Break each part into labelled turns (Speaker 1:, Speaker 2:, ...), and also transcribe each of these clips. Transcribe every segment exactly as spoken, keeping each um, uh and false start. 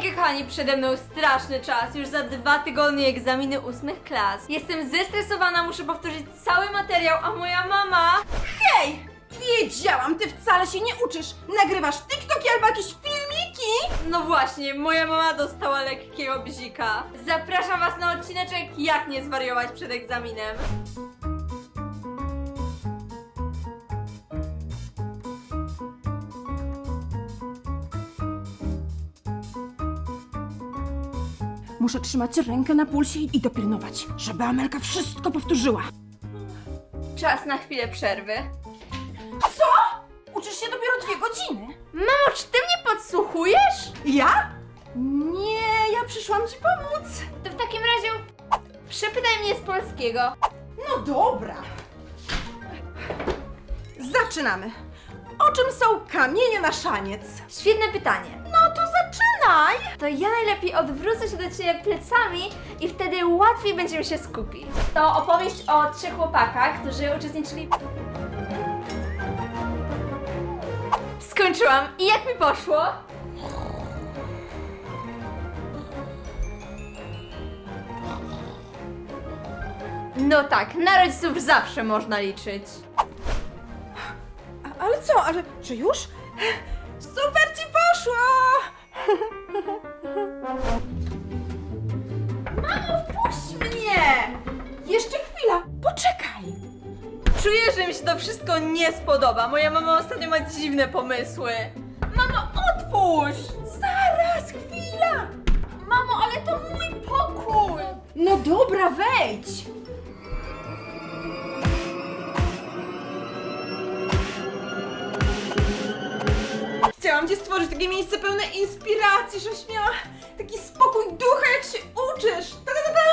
Speaker 1: Słuchajcie kochani, przede mną straszny czas, już za dwa tygodnie egzaminy ósmych klas. Jestem zestresowana, muszę powtórzyć cały materiał, a moja mama...
Speaker 2: Hej! Wiedziałam, ty wcale się nie uczysz. Nagrywasz TikToki albo jakieś filmiki?
Speaker 1: No właśnie, moja mama dostała lekkiego bzika. Zapraszam was na odcineczek jak nie zwariować przed egzaminem.
Speaker 2: Muszę trzymać rękę na pulsie i dopilnować, żeby Amelka wszystko powtórzyła.
Speaker 1: Czas na chwilę przerwy.
Speaker 2: Co? Uczysz się dopiero dwie godziny.
Speaker 1: Mamo, czy ty mnie podsłuchujesz?
Speaker 2: Ja? Nie, ja przyszłam ci pomóc.
Speaker 1: To w takim razie przepytaj mnie z polskiego.
Speaker 2: No dobra. Zaczynamy. O czym są kamienie na szaniec?
Speaker 1: Świetne pytanie.
Speaker 2: No to zaczynaj.
Speaker 1: To ja najlepiej odwrócę się do ciebie plecami i wtedy łatwiej będziemy się skupić. To opowieść o trzech chłopakach, którzy uczestniczyli... Skończyłam. I jak mi poszło? No tak, na rodziców zawsze można liczyć.
Speaker 2: A, ale co, ale że już? Super ci poszło!
Speaker 1: Mamo, wpuść mnie!
Speaker 2: Jeszcze chwila, poczekaj.
Speaker 1: Czuję, że mi się to wszystko nie spodoba. Moja mama ostatnio ma dziwne pomysły. Mamo, otwórz!
Speaker 2: Zaraz, chwila.
Speaker 1: Mamo, ale to mój pokój!
Speaker 2: No dobra, wejdź. Chciałam ci stworzyć takie miejsce pełne inspiracji, żebyś miała taki spokój ducha, jak się uczysz. Ta, ta, ta, ta.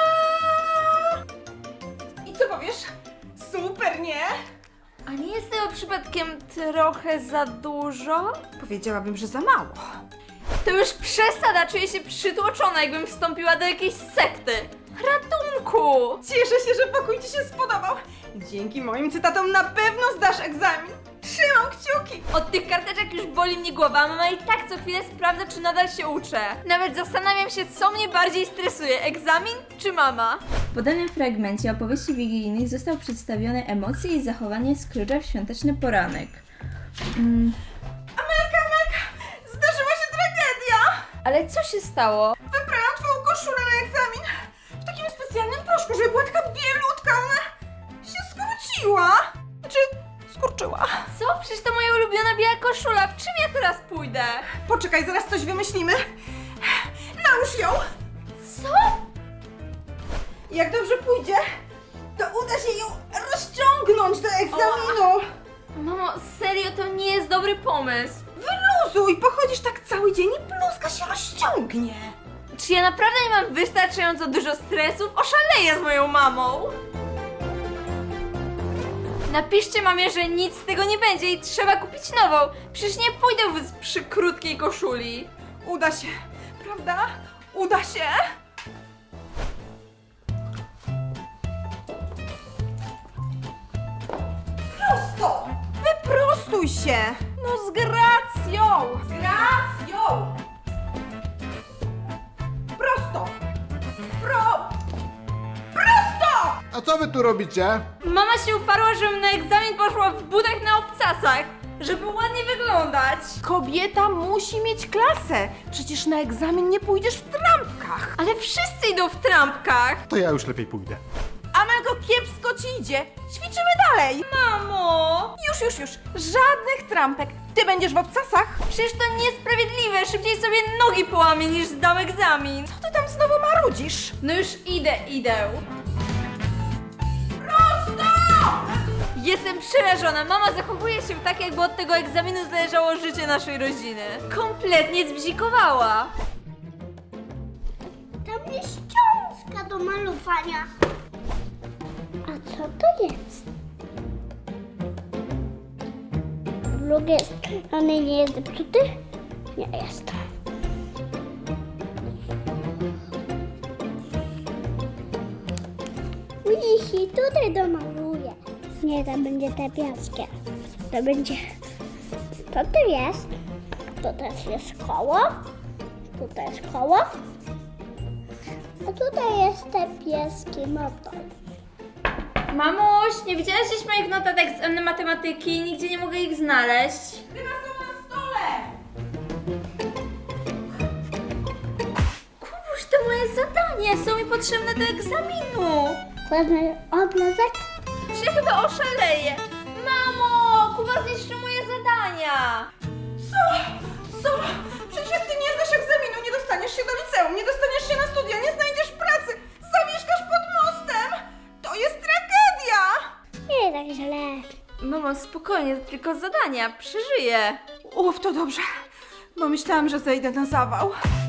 Speaker 2: I co powiesz? Super, nie?
Speaker 1: A nie jest tego przypadkiem trochę za dużo?
Speaker 2: Powiedziałabym, że za mało.
Speaker 1: To już przesada, czuję się przytłoczona, jakbym wstąpiła do jakiejś sekty. Ratunku!
Speaker 2: Cieszę się, że pokój ci się spodobał. Dzięki moim cytatom na pewno zdasz egzamin. Trzymam kciuki.
Speaker 1: Od tych karteczek już boli mnie głowa, a mama i tak co chwilę sprawdza, czy nadal się uczę. Nawet zastanawiam się, co mnie bardziej stresuje, egzamin czy mama?
Speaker 3: W podanym fragmencie opowieści wigilijnych został przedstawione emocje i zachowanie Scrooge'a w świąteczny poranek. Mm,
Speaker 2: Amelka, Amelka, zdarzyła się tragedia.
Speaker 1: Ale co się stało?
Speaker 2: Wybrałam twoją koszulę na egzamin w takim specjalnym proszku, żeby była taka bielutka, ona się skróciła. Znaczy, skurczyła.
Speaker 1: Co? Przecież to moja ulubiona biała koszula, w czym ja teraz pójdę?
Speaker 2: Poczekaj, zaraz coś wymyślimy. Nałóż ją.
Speaker 1: Co?
Speaker 2: Jak dobrze pójdzie, to uda się ją rozciągnąć do egzaminu.
Speaker 1: Mamo, serio, to nie jest dobry pomysł.
Speaker 2: Wyluzuj, pochodzisz tak cały dzień i bluzka się rozciągnie.
Speaker 1: Czy ja naprawdę nie mam wystarczająco dużo stresów? Oszaleję z moją mamą! Napiszcie mamie, że nic z tego nie będzie i trzeba kupić nową. Przecież nie pójdę w przy krótkiej koszuli.
Speaker 2: Uda się, prawda? Uda się. Prosto! Wyprostuj się! No z gracją! Z gracją! Prosto! Pro... Prosto!
Speaker 4: A co wy tu robicie?
Speaker 1: Mama się uparła, żebym na egzamin poszła w butach na obcasach, żeby ładnie wyglądać.
Speaker 2: Kobieta musi mieć klasę. Przecież na egzamin nie pójdziesz w trampkach.
Speaker 1: Ale wszyscy idą w trampkach.
Speaker 4: To ja już lepiej pójdę.
Speaker 2: Amelko, kiepsko ci idzie. Ćwiczymy dalej.
Speaker 1: Mamo!
Speaker 2: Już, już, już. Żadnych trampek. Ty będziesz w obcasach.
Speaker 1: Przecież to niesprawiedliwe, szybciej sobie nogi połamię niż zdam egzamin.
Speaker 2: Co ty tam znowu marudzisz?
Speaker 1: No już idę, idę.
Speaker 2: Prosto!
Speaker 1: Jestem przerażona. Mama zachowuje się tak, jakby od tego egzaminu zależało życie naszej rodziny. Kompletnie zbzikowała.
Speaker 5: Tam jest ściążka do malowania. A co to jest? Z drugiej strony nie jest zepsuty? Nie jest. Widzisz, i tutaj domaluję. Nie, to będzie te piaskie. To będzie... To tu jest. To też jest koło. Tutaj szkoła. A tutaj jest te pieski motor.
Speaker 3: Mamuś, nie widziałaś gdzieś moich notatek z matematyki? Nigdzie nie mogę ich znaleźć.
Speaker 2: Chyba są na stole.
Speaker 3: Kubuś, to moje zadanie, są mi potrzebne do egzaminu.
Speaker 5: Ładny obrazek.
Speaker 1: Się chyba oszaleje. Mamo, Kuba zniszczył moje zadania.
Speaker 2: Co? Co? Przecież jak ty nie zdasz egzaminu, nie dostaniesz się do liceum, nie dostaniesz się na studia, nie znajdziesz pracy, zamieszkasz pod mostem. To jest tragedia.
Speaker 5: Nie tak źle.
Speaker 1: Mamo, spokojnie, to tylko zadania, przeżyję.
Speaker 2: Uf, to dobrze, bo myślałam, że zejdę na zawał.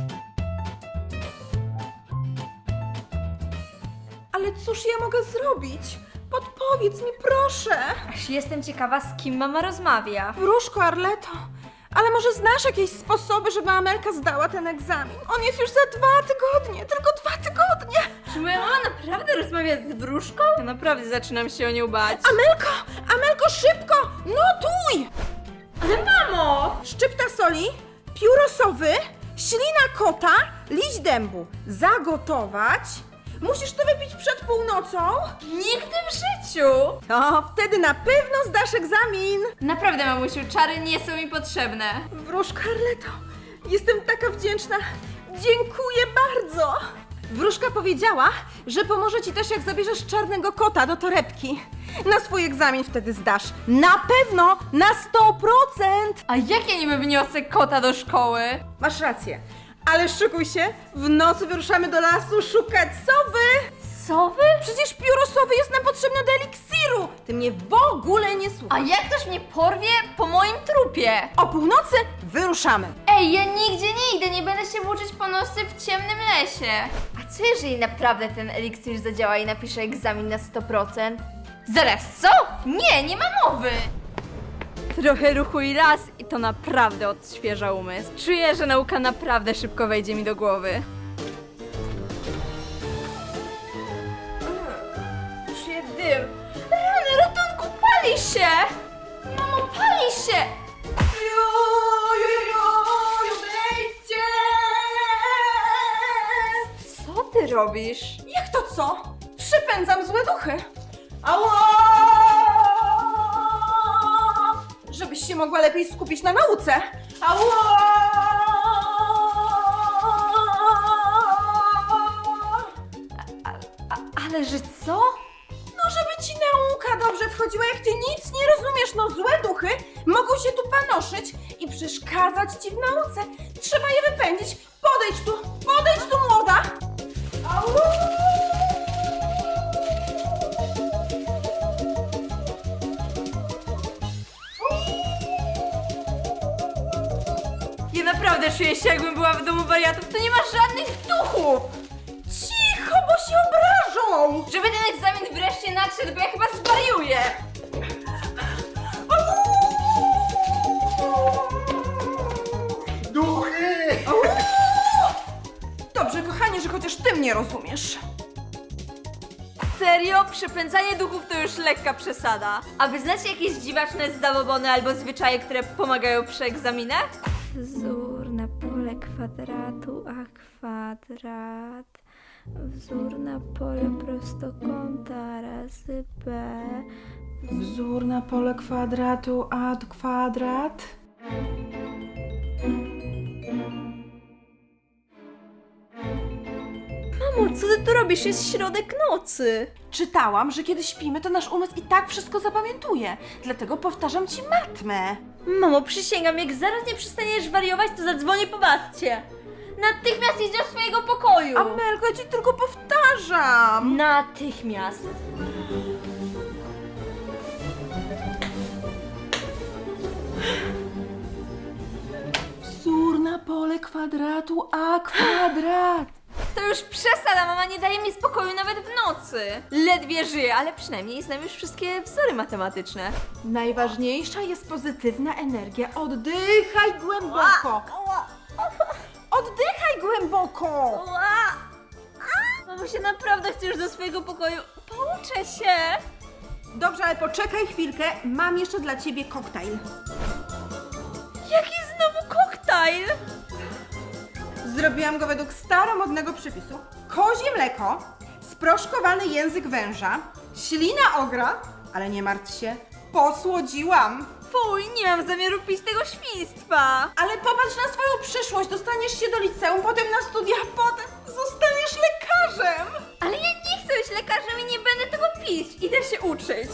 Speaker 2: Ale cóż ja mogę zrobić? Podpowiedz mi, proszę.
Speaker 1: Aż jestem ciekawa, z kim mama rozmawia.
Speaker 2: Wróżko, Arleto, ale może znasz jakieś sposoby, żeby Amelka zdała ten egzamin? On jest już za dwa tygodnie, tylko dwa tygodnie.
Speaker 1: Czy moja mama naprawdę rozmawia z wróżką? Ja naprawdę zaczynam się o nią bać.
Speaker 2: Amelko, Amelko, szybko, notuj!
Speaker 1: Ale mamo!
Speaker 2: Szczypta soli, pióro sowy, ślina kota, liść dębu. Zagotować. Musisz to wypić przed północą.
Speaker 1: Nigdy w życiu!
Speaker 2: To wtedy na pewno zdasz egzamin.
Speaker 1: Naprawdę, mamusiu, czary nie są mi potrzebne.
Speaker 2: Wróżko, Arleto, jestem taka wdzięczna. Dziękuję bardzo. Wróżka powiedziała, że pomoże ci też, jak zabierzesz czarnego kota do torebki. Na swój egzamin wtedy zdasz. Na pewno, na sto procent.
Speaker 1: A jak ja niby wniosę kota do szkoły?
Speaker 2: Masz rację. Ale szykuj się, w nocy wyruszamy do lasu szukać sowy.
Speaker 1: Sowy?
Speaker 2: Przecież pióro sowy jest nam potrzebne do eliksiru. Ty mnie w ogóle nie
Speaker 1: A
Speaker 2: słuchasz.
Speaker 1: jak ktoś mnie porwie po moim trupie?
Speaker 2: O północy wyruszamy.
Speaker 1: Ej, ja nigdzie nie idę, nie będę się włóczyć po nocy w ciemnym lesie. A co jeżeli naprawdę ten eliksir zadziała i napiszę egzamin na sto procent? Zaraz, co? Nie, nie ma mowy! Trochę ruchu i raz i to naprawdę odświeża umysł. Czuję, że nauka naprawdę szybko wejdzie mi do głowy. Czuję dym. Rany, ratunku, pali się! Mamo, pali się! Co ty robisz?
Speaker 2: Jak to co? Przypędzam złe duchy. Ała! Żebyś się mogła lepiej skupić na nauce. Ała!
Speaker 1: A, ale że co?
Speaker 2: No, żeby ci nauka dobrze wchodziła, jak ty nic nie rozumiesz, no złe duchy mogą się tu panoszyć i przeszkadzać ci w nauce. Trzeba je wypędzić. Podejdź tu, podejdź tu, młoda. Ała!
Speaker 1: Ja naprawdę czuję się, jakbym była w domu wariatów. To nie ma żadnych duchów!
Speaker 2: Cicho, bo się obrażą.
Speaker 1: Żeby ten egzamin wreszcie nadszedł, bo ja chyba zwariuję!
Speaker 4: Duchy!
Speaker 2: Dobrze, kochanie, że chociaż ty mnie rozumiesz.
Speaker 1: Serio? Przepędzanie duchów to już lekka przesada. A wy znacie jakieś dziwaczne zabobony albo zwyczaje, które pomagają przy egzaminach? Wzór na pole kwadratu, a kwadrat. Wzór na pole prostokąta razy b.
Speaker 2: Wzór na pole kwadratu, a kwadrat.
Speaker 1: Mamo, co ty tu robisz? Jest środek nocy.
Speaker 2: Czytałam, że kiedy śpimy, to nasz umysł i tak wszystko zapamiętuje. Dlatego powtarzam ci matmę.
Speaker 1: Mamo, przysięgam, jak zaraz nie przestaniesz wariować, to zadzwonię po babcię. Natychmiast idź do swojego pokoju.
Speaker 2: Amelko, ja ci tylko powtarzam.
Speaker 1: Natychmiast.
Speaker 2: Wzór na pole kwadratu, a kwadrat.
Speaker 1: To już przesada, mama nie daje mi spokoju nawet w nocy. Ledwie żyję, ale przynajmniej znam już wszystkie wzory matematyczne.
Speaker 2: Najważniejsza jest pozytywna energia. Oddychaj głęboko. Oddychaj głęboko.
Speaker 1: Mamo, się naprawdę chcę już do swojego pokoju. Pouczę się.
Speaker 2: Dobrze, ale poczekaj chwilkę. Mam jeszcze dla ciebie koktajl.
Speaker 1: Jaki znowu koktajl?
Speaker 2: Zrobiłam go według staromodnego przepisu. Kozie mleko, sproszkowany język węża, ślina ogra, ale nie martw się, posłodziłam.
Speaker 1: Fuj, nie mam zamiaru pić tego świństwa.
Speaker 2: Ale popatrz na swoją przyszłość, dostaniesz się do liceum, potem na studia, potem zostaniesz lekarzem.
Speaker 1: Ale ja nie chcę być lekarzem i nie będę tego pić. Idę się uczyć.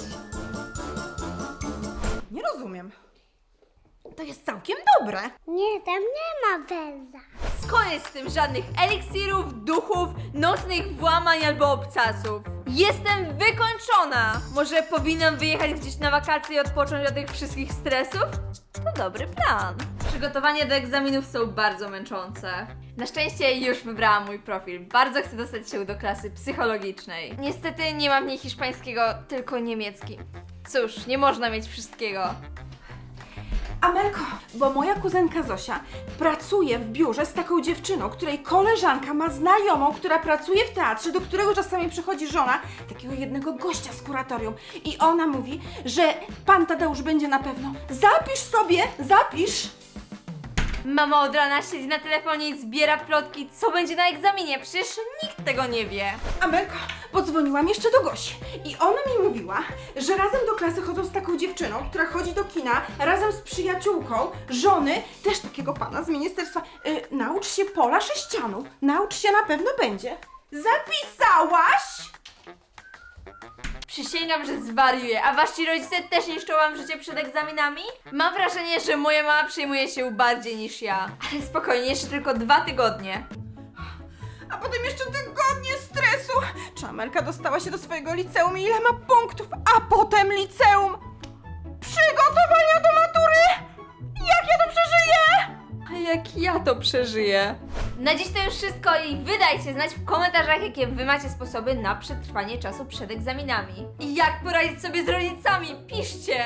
Speaker 2: Nie rozumiem. To jest całkiem dobre.
Speaker 5: Nie, tam nie ma węża.
Speaker 1: Koniec z tym, żadnych eliksirów, duchów, nocnych włamań albo obcasów. Jestem wykończona! Może powinnam wyjechać gdzieś na wakacje i odpocząć od tych wszystkich stresów? To dobry plan. Przygotowania do egzaminów są bardzo męczące. Na szczęście już wybrałam mój profil. Bardzo chcę dostać się do klasy psychologicznej. Niestety nie mam w niej hiszpańskiego, tylko niemiecki. Cóż, nie można mieć wszystkiego.
Speaker 2: Amelko, bo moja kuzynka Zosia pracuje w biurze z taką dziewczyną, której koleżanka ma znajomą, która pracuje w teatrze, do którego czasami przychodzi żona takiego jednego gościa z kuratorium. I ona mówi, że pan Tadeusz będzie na pewno. Zapisz sobie, zapisz!
Speaker 1: Mama od rana siedzi na telefonie i zbiera plotki, co będzie na egzaminie. Przecież nikt tego nie wie.
Speaker 2: Amelko, podzwoniłam jeszcze do Gosi i ona mi mówiła, że razem do klasy chodzą z taką dziewczyną, która chodzi do kina razem z przyjaciółką żony też takiego pana z ministerstwa. Y, naucz się pola sześcianu, naucz się, na pewno będzie. Zapisałaś?
Speaker 1: Przysięgam, że zwariuję, a wasi rodzice też niszczą wam życie przed egzaminami? Mam wrażenie, że moja mama przejmuje się bardziej niż ja. Ale spokojnie, jeszcze tylko dwa tygodnie.
Speaker 2: A potem jeszcze tygodnie stresu. Czy Amelka dostała się do swojego liceum i ile ma punktów? A potem liceum! Przygotowania do matury! Jak ja to przeżyję?
Speaker 1: A jak ja to przeżyję? Na dziś to już wszystko i wydajcie znać w komentarzach, jakie wy macie sposoby na przetrwanie czasu przed egzaminami. I jak poradzić sobie z rodzicami? Piszcie!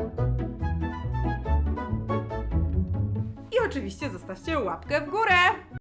Speaker 2: I oczywiście zostawcie łapkę w górę.